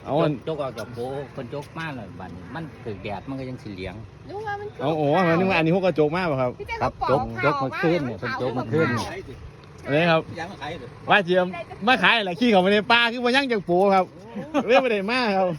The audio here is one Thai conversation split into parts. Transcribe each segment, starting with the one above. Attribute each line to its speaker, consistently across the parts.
Speaker 1: เอา
Speaker 2: จกออกจากโบคนจกมากเลยบัดมันถือแดดมันก็ยังสีเหลือง
Speaker 1: เอาโอ้นึกว่าอันนี้พวกกระจกมากป่ะครับ
Speaker 2: ครับจกมาขึ้นเนี่ยคนจกมาขึ้น
Speaker 1: อันนี้ครับว่าเจียมมาขายอะไรขี้เขาไปในป่าคือมาย่างจากปูครับเรื่องไม่ได้มากครับ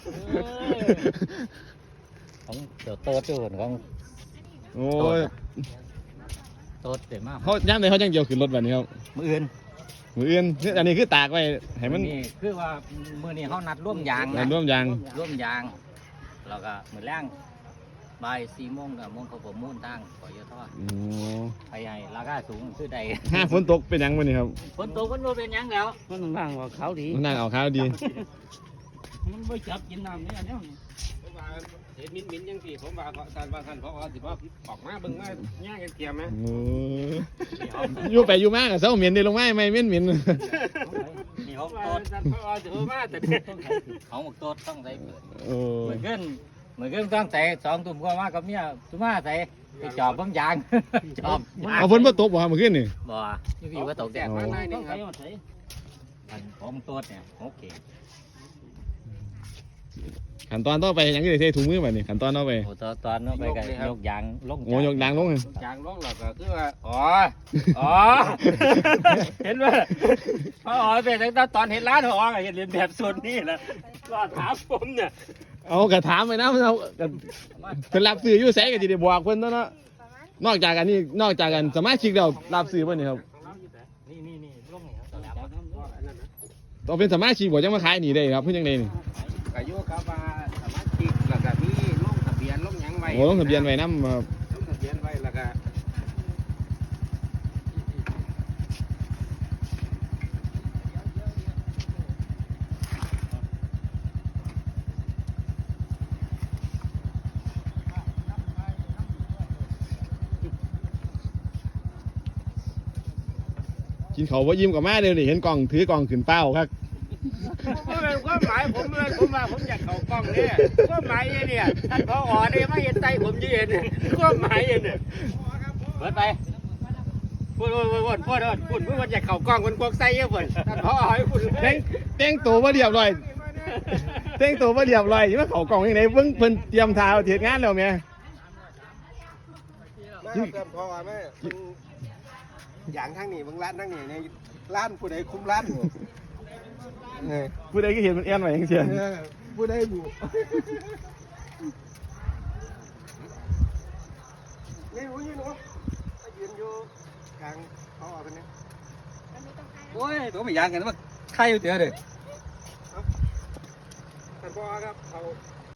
Speaker 2: ของเดี๋ยวโตตื่นของ
Speaker 1: โอ้ย
Speaker 2: โตเดี๋ยวมาก
Speaker 1: เขาย่างเลยเขาย่างเกี่ยวขึ้นรถแบบนี้ครับ
Speaker 2: มืออื่น
Speaker 1: อันนี้คือตากไว้ให้มัน
Speaker 2: คือว่ามือนี้เขานัดร่วมยาง
Speaker 1: ร่วมยาง
Speaker 2: แล้วก็มือแรงบ่าย4 โมงกับโมงเขาผมมุ่นตั้งปล่อยยอดทอดไปใหญ่ราคาสูงคือใด
Speaker 1: ฝนตกเป็นยังวันนี้ครับ
Speaker 2: ฝนตกมันเป็นยังแล้วมันนั่งว่าเขาดี
Speaker 1: นั่งเอาเขาดี
Speaker 2: มันไม่จับกินน้ำนี่อันนี้
Speaker 3: เห็นมิ้นยังสิผมว่าท่านเพราะว่าสิว่าออกมาเบิ่งมาย่างกันเกียร์ไหม
Speaker 1: อยู่ไปอยู่มากอะเสาเหม็นได้ลงไม้ไม่เหม็น
Speaker 2: นี่
Speaker 3: เขาโตท่านเพราะว่าสิมาแต่
Speaker 2: เขาหมกโตต้องใส่เหมือนกันต้องใส่2 ตุ่มก็มากับเมียตุ่มมาใส่ไปจอบเบิ่งยางจอบ
Speaker 1: เอาฝนมาตกบ่ครับเมื่อคืนนี่
Speaker 2: บ่อยู่พี่ว่าตกแดดมาได้นี่ครับผมโตเนี่ยโอเค
Speaker 1: ขั้นตอนต่อไปยังจะใช้ถุงมือแบบนี้ขั้นตอนต่อไป
Speaker 2: ตอนต่อไปก็ยกยางลง
Speaker 1: ยกยางลง
Speaker 3: ยางลงแล้วก็คือว่าเห็นว่าพอเป็นตอนเห็นร้านหอเห็นเรียนแบบส่วนนี้แหละก็ถามผมเนี่ย
Speaker 1: เอากระถามไปนะเราเพิ่นรับซื้ออยู่ไสก็สิได้บอกเพิ่นเนาะนอกจากกันสมาชิกเรารับซื้อบ่นี่ครับ
Speaker 2: นี่ลง
Speaker 1: ต้องเป็นสมาชิกบ่จังมาขายนี่ได้ครับเพิ่นจังได๋นี่
Speaker 3: ก็อยู่กับว่าสมาชิกแล้วก็มีลงทะเบียนลงหยังไว้
Speaker 1: ลงทะเบียนไว้นำครับ
Speaker 3: ลงทะเบียนไว้แล้วก็
Speaker 1: กินเขาว่ายิ้มกับแม่เดี๋ยวนี้เห็นกล่องถือกล่องขึ้นเป้าครับ
Speaker 3: ความหมายผมว่าผมอยากเข้ากล้องเนี่ยความหมายเนี่ยท่านพอเนี่ยไม่เห็นใจผมยืนความหมายเนี่ย
Speaker 2: เปิดไป
Speaker 3: พูดอยากเข้ากล้องคนพวกไส้เยอะเปิดท่านพอให้พูด
Speaker 1: แต่งตัวมาเรียบร้อยอยู่ว่าเขากล่องยังไงเพิ่นเตรียมทาเทียดงานแล้วแม่
Speaker 3: พอแม่อย่างทั้งนี้บางร้านทั้งนี้ในร้านผู้ใดคุมร้าน
Speaker 1: ผู้ใดก็เห็นมันแอนไว้ยังเสีย
Speaker 3: ผู้ใดบุนี่รู้ยืนวะยืนอยู่กลางเขาออกกันเนี่ย
Speaker 2: โอ้ยตัวไม่ยางกันว่าใครอยู่เดี๋ยวเด้อ
Speaker 3: ท่านพ่อครับเขา